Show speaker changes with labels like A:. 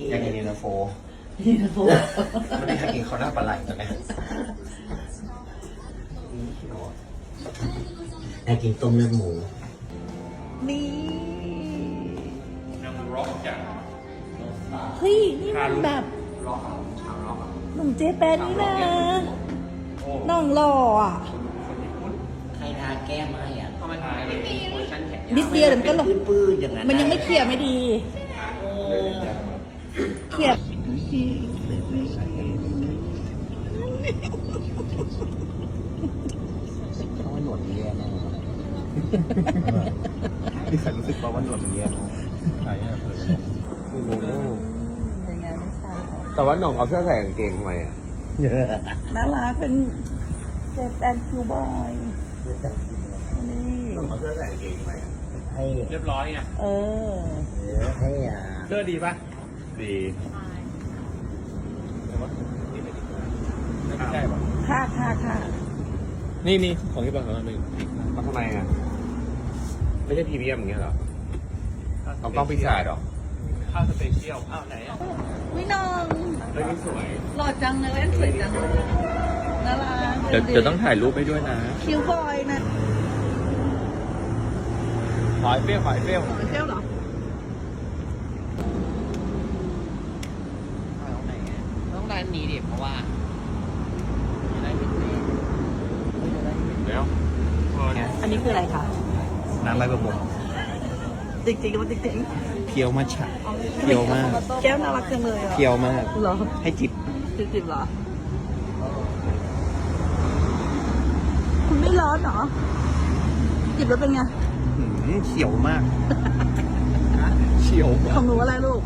A: อยากกินเย็นตาโฟ
B: นี่นะพวก
A: ไม่ได้อยากกินข้าวหน้าปลาไหลตอนนี้
C: อยากกินต้มเลือดหมู
B: นี่
D: น้ำร็อกจาก
B: เฮ้ยนี่มันแบบหนุ่มเจแปนนี่นะน้องหล่ออ่ะ
C: ใครทาแก้มให้อ่ะ
D: เข้ามาถ่ายเวอร์ชันแขน
B: นิดเดียวเดี๋ยวมันก็หลง
C: ปื้นๆอย่างนั้น
B: มันยังไม่เคลียร์ไม่ดีเคลียร์
C: เขาว่าหนวดเรียนนะ
A: ที่ฉันรู้สึกว่าหนวดมันเย็นใช่อะ
B: ยังไงไม่ทราบ
E: แต่ว่าหน่องเอาเสื้อใส่กางเกงทำไมอ่ะ
B: น่ารักเป็นเจแปนคิวบอยนี่
E: หน่องเอาเสื้อใส่กางเกงทำไมอ่ะ
C: ให้
D: เรียบร้อยไง
B: เออ
C: ให้
D: เสื้อดีป่ะ
E: ดี
D: ไม่ใช่ป่ะ
B: ค่ะ
D: นี่ของที่บ้านของเราหนึ่ง
E: มาทำไมอ่ะ ไม่ใช่พรีเมียมอย่างเงี้ยเหรอเอากล้องพิซซ่าหรอ
D: ข้าวสเปเชียลอ้าวไหนอ่ะ
B: วิน้อง
E: เฮ้ยนี่สวย
B: หล่อจังเลยสวยจังเลยน่ารัก
D: เดี๋ยวต้องถ่ายรูปไปด้วยนะ
B: คิวบอยนะ
D: หอยเปรี้ยวหอยเปรี้ยว
B: หล่อเที่ยวเหรอ
C: ต้องร้านนี้ดิเพราะว่า
D: เดี๋ยว
B: อันนี้คืออะไรคะ
A: น้ำใบประมง
B: จริงๆมันจริง
A: เพียวมาฉะ
B: ๆ
A: เพียวมาก
B: แก้วน่ารักจังเลยอ่ะ
A: เพียวมาก
B: เหรอ
A: ให้จิบ
B: จริงๆเหรอคุณไม่ร้อนเหรอจิบแล้วเป็นไง
A: เขียวมากเขียว
B: ของหนูอะไรลูก